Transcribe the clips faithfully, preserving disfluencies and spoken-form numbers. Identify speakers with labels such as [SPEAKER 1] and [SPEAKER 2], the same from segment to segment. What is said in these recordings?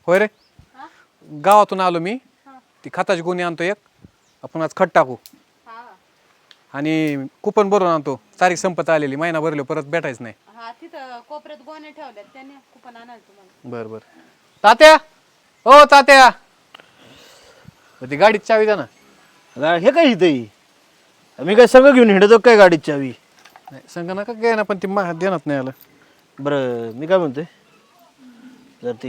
[SPEAKER 1] होय रे गावातून आलो मी ती खताची गोणी आणतो एक आपण आज खत टाकू आणि कुपन भरून आणतो तारीख संपत आलेली महिना भरलो परत भेटायच नाही
[SPEAKER 2] हा तिथं कोपऱ्यात गोणे ठेवल्यात त्याने कुपन आणाल तुम्हाला
[SPEAKER 1] बर बर तात्या हो तात्या ती गाडीत चावी द्या ना
[SPEAKER 3] हे काय इथं मी काय सगळं घेऊन हिंडतो काय गाडीत चावी
[SPEAKER 1] नाही संग नका काय ना पण ती मा देणार नाही आलं
[SPEAKER 3] बरं मी काय म्हणतोय जर ती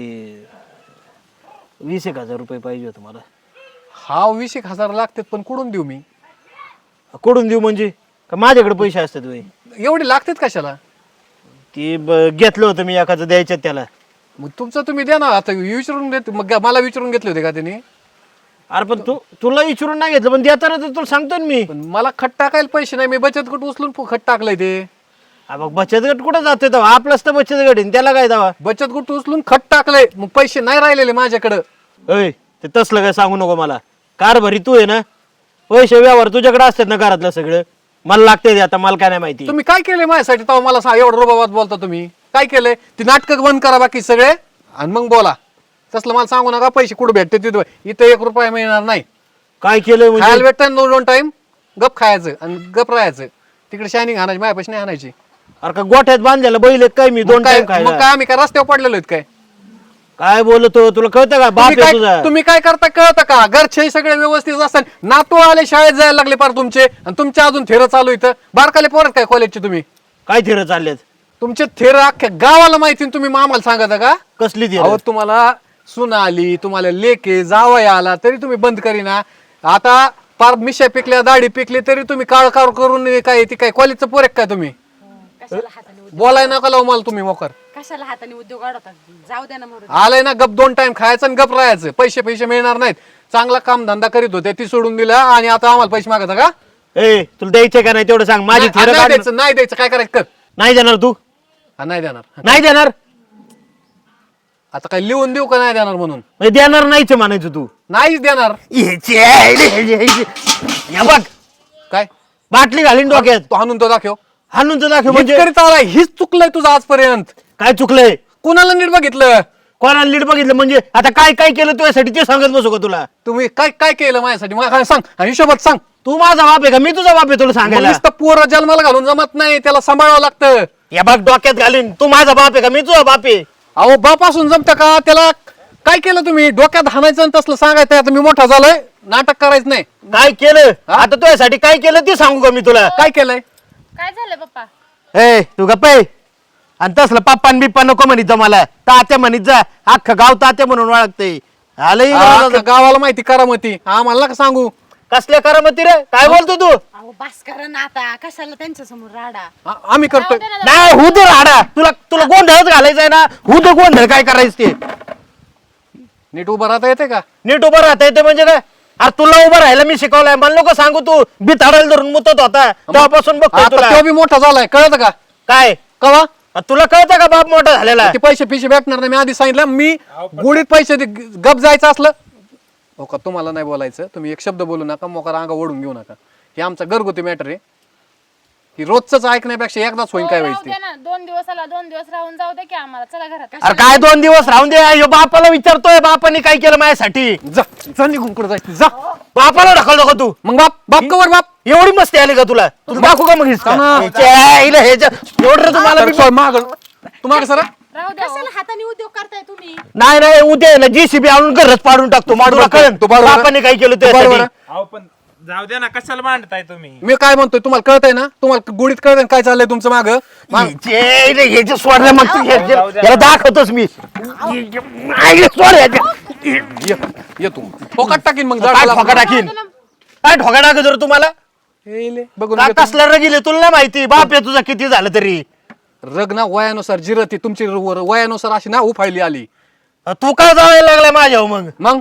[SPEAKER 3] वीस एक हजार रुपये पाहिजे होतं मला
[SPEAKER 1] हा वीस एक हजार लागतात पण कुठून देऊ मी
[SPEAKER 3] कोडून देऊ म्हणजे का माझ्याकडे पैसे असतात वय
[SPEAKER 1] एवढे लागतात कशाला
[SPEAKER 3] ती ब- घेतलं होतं मी एखादं द्यायचं त्याला
[SPEAKER 1] मग तुमचं तुम्ही द्या ना आता विचारून देत मग मला विचारून घेतले होते का त्यांनी
[SPEAKER 3] अरे पण तू तुला विचारून नाही घेतलं पण देताना तर तुला सांगतो ना मी
[SPEAKER 1] पण मला खत टाकायला पैसे नाही मी बचत गट उचलून खत टाकलंय ते
[SPEAKER 3] हा बघ बचत गट कुठं जातोय तेव्हा आपलाच तर बचत गट आहे न त्याला काय दावा
[SPEAKER 1] बचत गट उचलून खत टाकलंय मग पैसे नाही राहिलेले माझ्याकडं
[SPEAKER 3] अय ते तसलं काय सांगू नको मला कारभारी तू आहे ना पैसे व्यवहार तुझ्याकडे असतात ना घरातलं सगळं मला लागते ते आता मला काय नाही माहिती
[SPEAKER 1] तुम्ही काय केलंय माझ्यासाठी तेव्हा मला सांग एवढं रोबाबाद बोलता तुम्ही काय केलंय ती नाटकं बंद करा बाकी सगळे आणि मग बोला तसलं मला सांगू नका पैसे कुठं भेटते तिथं इथं एक रुपया मिळणार नाही
[SPEAKER 3] काय केलंय
[SPEAKER 1] खायला
[SPEAKER 3] म्हणजे
[SPEAKER 1] भेटतं दोन दोन टाइम गप खायचं आणि गप राहायचं तिकडे शायनिंग आणायची माझ्यापाशी नाही आणायची
[SPEAKER 3] अरे का गोठ्यात बांधलेला बैल आहे काय मी दोन
[SPEAKER 1] मग काय
[SPEAKER 3] टाइम
[SPEAKER 1] मग
[SPEAKER 3] खायला
[SPEAKER 1] काय आम्ही काय रस्त्यावर पडलेलो आहेत काय
[SPEAKER 3] काय बोलतो तुला कळतं का बाप
[SPEAKER 1] तुम्ही
[SPEAKER 3] आहे
[SPEAKER 1] काय
[SPEAKER 3] तुझा
[SPEAKER 1] तुम्ही काय करता कळतं का घरचे सगळे व्यवस्थित असतात नातू आले शाळेत जायला लागले पार तुमचे आणि तुमच्या अजून थेर चालू इथं बारकाले पोरत काय कॉलेजचे तुम्ही
[SPEAKER 3] काय थिरं चाललेत
[SPEAKER 1] तुमचे थेर अख्ख्या गावाला माहिती आणि तुम्ही मामाला सांगता का
[SPEAKER 3] कसली थिरं?
[SPEAKER 1] अहो तुम्हाला सुना आली तुम्हाला लेके जावई आला तरी तुम्ही बंद करीना आता पार मिशा पिकल्या दाढी पिकली तरी तुम्ही काळ कार करून काय ती काय कॉलेजचं पोरेक काय तुम्ही
[SPEAKER 2] कशाला हाताने
[SPEAKER 1] बोलाय नका लावू मला तुम्ही मोकर
[SPEAKER 2] कशाला हाताने उद्योग अडवतात जाऊ द्या ना मरू
[SPEAKER 1] आलंय ना गप दोन टाइम खायचं आणि गप राहायचं पैसे पैसे मिळणार नाहीत चांगला काम धंदा करीत होते ती सोडून दिला आणि आता आम्हाला पैसे मागता का
[SPEAKER 3] ए तुला द्यायचे का नाही तेवढं सांग माझी
[SPEAKER 1] नाही
[SPEAKER 3] थिरं
[SPEAKER 1] नाही
[SPEAKER 3] काढ.
[SPEAKER 1] द्यायचं नाही द्यायचं काय करायचं कर
[SPEAKER 3] नाही देणार तू
[SPEAKER 1] हा, नाही देणार
[SPEAKER 3] नाही देणार
[SPEAKER 1] आता काय लिहून देऊ का नाही देणार म्हणून
[SPEAKER 3] म्हणजे देणार नाहीच म्हणायचं तू
[SPEAKER 1] नाहीच देणार
[SPEAKER 3] याचे आईले, याचे, याचे. या बघ
[SPEAKER 1] काय
[SPEAKER 3] बाटली घालीन डोक्यात
[SPEAKER 1] तो हाणून तो दाखव
[SPEAKER 3] हाणून तर दाखव
[SPEAKER 1] हेच
[SPEAKER 3] म्हणजे
[SPEAKER 1] करीत आलाय हीच चुकलंय तुझं आजपर्यंत
[SPEAKER 3] काय चुकलंय
[SPEAKER 1] कुणाला नीट बघितलं
[SPEAKER 3] कोणाला लीड बघितलं म्हणजे आता काय काय केलं तुझ्यासाठी ते सांगत बसू का तुला
[SPEAKER 1] तुम्ही काय काय केलं माझ्यासाठी मला काय सांग आणि हिशोबात सांग
[SPEAKER 3] तू माझा बाप आहे का मी तुझा बाप आहे तुला
[SPEAKER 1] मग
[SPEAKER 3] सांगायला
[SPEAKER 1] नुसतं पोरं जन्माला घालून जमत नाही त्याला सांभाळावं लागतं
[SPEAKER 3] या बघ डोक्यात घालीन तू माझा बाप आहे का मी तुझा बाप आहे
[SPEAKER 1] अहो बापासून जमतं का त्याला काय केलं तुम्ही डोक्यात हाणायचं आणि तसलं सांगायचं आता मी मोठा झालोय नाटक करायचं नाही
[SPEAKER 3] काय केलं
[SPEAKER 1] हा?
[SPEAKER 3] आता तुझ्यासाठी काय केलं ते सांगू का मी तुला
[SPEAKER 1] काय केलंय
[SPEAKER 2] काय झालं पप्पा
[SPEAKER 3] ए तू गप्प आहे आणि तसलं पप्पान बिप्पा नको म्हणित जा मला तात्या म्हणित जा अख्खं गाव तात्या म्हणून ओळखते आलंय
[SPEAKER 1] अख्ख्या गावाला माहिती करामती आम्हाला नका सांगू
[SPEAKER 3] कसल्या करामती रे काय बोलतो तू
[SPEAKER 2] अहो बास करा ना आता कशाला त्यांच्या समोर राडा
[SPEAKER 1] आ- आम्ही करतोय
[SPEAKER 3] नाही हु दे राडा तुला तुला गोंधळच घालायचंय ना हु दे गोंधळ काय करायचं ते
[SPEAKER 1] नीट उभं राहता येते का
[SPEAKER 3] नीट उभं राहता येते म्हणजे काय अरे तुला उभं राहायला मी शिकवलंय मला नको सांगू तू बिथाडायला धरून मुतत होता तेव्हापासून बघतोय
[SPEAKER 1] आता
[SPEAKER 3] तुला
[SPEAKER 1] तो बी मोठा झालाय कळत का
[SPEAKER 3] काय
[SPEAKER 1] कवा
[SPEAKER 3] अ, तुला कळतं का बाप मोठा झालेला
[SPEAKER 1] ते पैसे पिशे भेटणार नाही मी आधी सांगितलं मी गुडीत पैसे दे- गप जायचं असलं हो का तुम्हाला नाही बोलायचं तुम्ही एक शब्द बोलू नका मोकार अंगा ओढून घेऊ नका हे आमचा घरगुती मॅटर आहे की रोजच ऐकण्यापेक्षा एकदाच होईन काय
[SPEAKER 4] राहू
[SPEAKER 1] व्हायचं
[SPEAKER 4] दे ना दोन दिवस आला दोन दिवस राहून जाऊ दे की आम्हाला चला घरात
[SPEAKER 3] अरे काय दोन दिवस राहून दे ह्यो बापाला विचारतोय बापाने काय केलं माझ्यासाठी
[SPEAKER 1] ते. जा जा निघून कुठं जायचं जा
[SPEAKER 3] बापाला ढकल नको तू
[SPEAKER 1] मग बाप बाप कवर बाप
[SPEAKER 3] एवढी मस्ती आली का तुला तुला दाखवू का मग हिसका?
[SPEAKER 1] ना.
[SPEAKER 3] ह्याच्या आईला ह्याच्या- एवढं रे तुम्हाला मी-
[SPEAKER 1] माग तुम्हाला सर
[SPEAKER 4] राहू दे
[SPEAKER 2] कशाला हाताने उद्योग करताय तुम्ही
[SPEAKER 3] नाही नाही उद्या ना जीसीबी आणून घरच पाडून टाकतो तुला कळेल
[SPEAKER 1] तू बरोबर.
[SPEAKER 3] बापाने काय केलं
[SPEAKER 1] बरोबर
[SPEAKER 3] तुझ्यासाठी
[SPEAKER 5] अहो पण जाऊ द्या ना कशाला मांडताय तुम्ही
[SPEAKER 1] मी काय म्हणतोय तुम्हाला कळतंय ना तुम्हाला गुडीत कळतंय ना काय चाललंय तुमचं माग
[SPEAKER 3] ह्याच्या आईला ह्याच्या सोडल्या मग तू ह्याच्या- याला दाखवतोच मी आईला सोड ह्याच्या.
[SPEAKER 1] ये तू फोकाट टाकीन मग
[SPEAKER 3] काय
[SPEAKER 1] झाडाला.
[SPEAKER 3] ठोका टाकीन काय ठोका टाक जर तुम्हाला
[SPEAKER 1] हे ले, बघून
[SPEAKER 3] का
[SPEAKER 1] घेतो.
[SPEAKER 3] कसला रगिले तुला नाही माहिती बाप आहे तुझा किती झालं तरी
[SPEAKER 1] रग ना वयानुसार जिरती तुमची र- वयानुसार अशी ना उफाळली आली
[SPEAKER 3] तू काय जायला लागलाय माझ्यावर मग
[SPEAKER 1] मग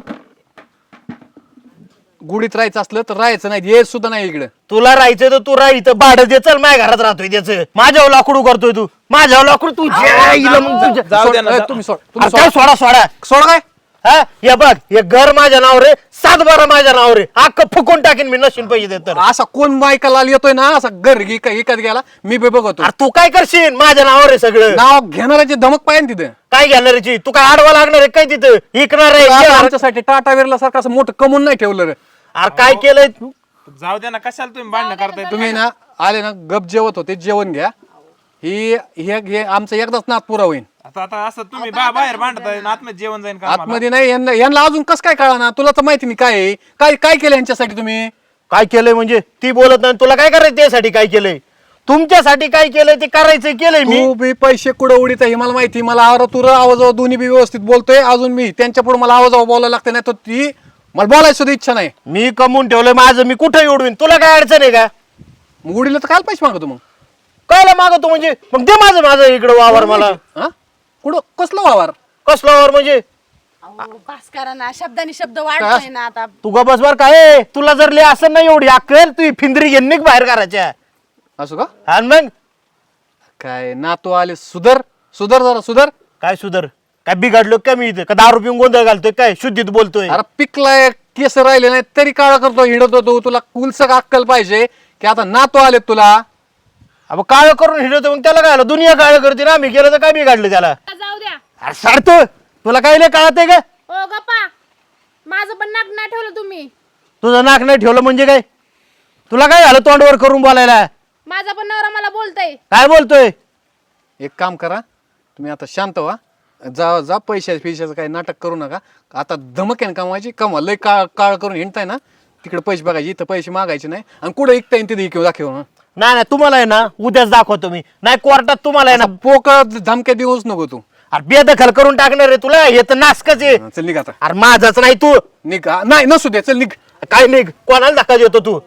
[SPEAKER 1] गुडीत राहायचं असलं तर राहायचं नाही येत सुद्धा नाही इकडे
[SPEAKER 3] तुला राहायचं तर तू राहायचं भाडं दे चल माझ्या घरात राहतोय त्याचं माझ्यावर लाकडू करतोय तू माझ्यावर लाकडू तू ज्या इला मग तुझ्या-
[SPEAKER 5] जाऊ द्या ना,
[SPEAKER 1] सोड, ए,
[SPEAKER 5] जा-
[SPEAKER 1] तुम्ही सोड
[SPEAKER 3] अरे
[SPEAKER 1] तुम्ही
[SPEAKER 3] काय
[SPEAKER 1] सोड
[SPEAKER 3] सोडा सोडा
[SPEAKER 1] सोड काय
[SPEAKER 3] हा हे बघ हे घर माझ्या नावावर आहे, सात बारा माझ्या नावावर आहे, अख्खं फुकून टाकीन मी नशीन पैसे देत तर.
[SPEAKER 1] असा कोण बायका लाल येतोय ना असा घर घे एकात गेला मी बी बघतो.
[SPEAKER 3] अरे तू काय करशील माझ्या नावावर आहे सगळं.
[SPEAKER 1] नाव घेणाऱ्याची धमक पाहिजे तिथं.
[SPEAKER 3] काय घेणाऱ्याची तू काय आडवा लागणार आहे काय तिथं इकणार आहे
[SPEAKER 1] आता
[SPEAKER 3] अरे
[SPEAKER 1] आमच्यासाठी टाटा विरला सारखं असं मोठं कमवून नाही ठेवलं रे.
[SPEAKER 3] काय केलंय तू
[SPEAKER 5] जाऊ द्या ना कशाला तुम्ही भांडणं करताय
[SPEAKER 1] तुम्ही ना आले ना गप जेवत होते जेवण घ्या. ही हे हे आमचं एकदाच नात पुरा होईल.
[SPEAKER 5] आता आता असं तुम्ही बा- बाहेर भांडताय आणि आतमध्ये जेवण जाईन का आम्हाला?
[SPEAKER 1] आतमध्ये नाही यांना यांना अजून कसं काय कळा ना तुला तर माहिती नाही काय आहे. काय काय केलं यांच्यासाठी तुम्ही.
[SPEAKER 3] काय केलंय म्हणजे ती बोलत नाही तुला काय करायचं त्यासाठी काय केलंय तुमच्यासाठी काय केलंय ते करायचं केलंय मी.
[SPEAKER 1] तू बी पैसे कुठं उडीत आहे हे मला माहिती. मला आवर तुर आवाजावर दोन्ही बी व्यवस्थित बोलतोय. अजून मी त्यांच्या पुढे मला आवाजावर बोलायला लागते नाही तर ती मला बोलायची सुद्धा इच्छा नाही.
[SPEAKER 3] मी कमवून ठेवलंय माझं मी कुठे उडवीन तुला काय अडचण आहे का.
[SPEAKER 1] मग उडीला तर काय पैसे मागतो मग.
[SPEAKER 3] कायला मागतो म्हणजे मग दे माझं माझं इकडं वावर मला.
[SPEAKER 1] हा कुठं कसलं वावर.
[SPEAKER 3] कसलं वावर म्हणजे
[SPEAKER 2] अहो, बास करा ना शब्दानी शब्द वाढतोय ना आता.
[SPEAKER 3] तू ग बस बर काय तुला जर लय असं नाही एवढी अक्कल तू ही फिंदरी घेऊन निघ बाहेर करायच्या.
[SPEAKER 1] असं का
[SPEAKER 3] आणि मग
[SPEAKER 1] काय नातू आले सुधर सुधर जरा सुधर.
[SPEAKER 3] काय सुधर काय बिघडलो का मी इथं का दारू पिऊन गोंधळ घालतोय काय शुद्धीत बोलतोय.
[SPEAKER 1] अरे पिकलाय केस राहिले नाही तरी काळा करतो हिंडत होतो. तुला कुलसक अक्कल पाहिजे की आता नातू आलेत तुला.
[SPEAKER 3] अब काळ करून हिडतो मग त्याला काय आलं दुनिया काळ करते ना आम्ही केलं तर काय बिघडलं त्याला.
[SPEAKER 4] जाऊ द्या.
[SPEAKER 3] अरे सारतो तुला काय नाही कळत आहे का.
[SPEAKER 4] ओ गप्पा माझं पण नाक नाही ठेवलं तुम्ही.
[SPEAKER 3] तुझं नाक नाही ठेवलं म्हणजे काय तुला काय झालं तोंडवर करून बोलायला.
[SPEAKER 4] माझा पण नवरा मला बोलतय.
[SPEAKER 3] काय बोलतोय.
[SPEAKER 1] एक काम करा तुम्ही आता शांत व्हा. जा जा पैशा पैशाचं काही नाटक करू नका. आता धमक आहे ना कमवायची कमा लय काळ काळ करून हिंडताय ना तिकडे पैसे बघायचे इथं पैसे मागायचे नाही आणि कुठं ऐकता येईल तिथे इकडे दाखव ना.
[SPEAKER 3] नाही नाही तुम्हाला आहे ना उद्याच दाखवतो मी नाही कोर्टात तुम्हाला आहे ना
[SPEAKER 1] पोकळ धमक्या देऊच नको तू.
[SPEAKER 3] अरे बेदखल करून टाकणार आहे तुला हे तर नासकच आहे.
[SPEAKER 1] हा, चल निघ आता
[SPEAKER 3] अरे माझाच नाही तू
[SPEAKER 1] निघ हा, नाही नसू दे चल निघ.
[SPEAKER 3] काय निघ कोणाला धक्का देतो तू.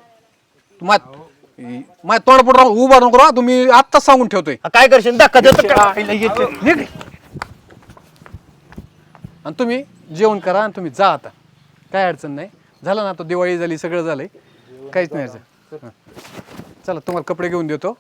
[SPEAKER 1] माझ्या तोंड पुढे उभा नको राहा. तुम्ही आत्ताच सांगून ठेवतोय.
[SPEAKER 3] काय करशील धक्का देतो का?
[SPEAKER 1] निघ आणि तुम्ही जेवण करा आणि तुम्ही जा आता. काय अडचण नाही. झालं ना आता दिवाळी झाली सगळं झालंय काहीच नाही अडचण. हा. चला तुम्हाला कपडे घेऊन देतो.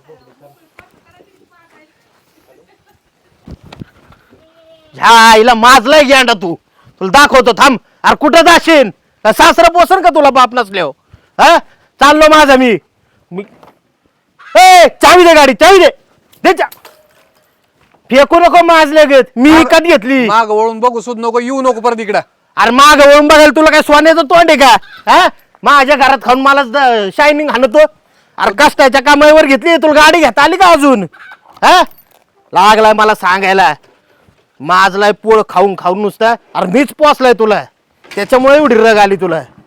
[SPEAKER 3] ह्या आईला माजलाय गेंडा तू तुला दाखवतो थांब. अरे कुठं जाशील का सासरं पोसन का तुला बाप नसल्यावर हा चाललो माझा मी मी ए चावी दे गाडी चावी दे दे चा फेकू नको माजले घेत मी विकत घेतली.
[SPEAKER 1] माग वळून बघू सुद्धा नको येऊ नको परत इकडं.
[SPEAKER 3] अरे माग वळून बघायला तुला काय सोन्याचं तोंड आहे का हा माझ्या घरात खाऊन मला शायनिंग हाणतो. अरे कष्टाच्या कामावर घेतली तुला गाडी घेता आली का अजून हा लागलाय मला सांगायला. माजलाय पोळ खाऊन खाऊन नुसता अरे मीच पोचलाय तुला त्याच्यामुळे एवढी रग आली तुला.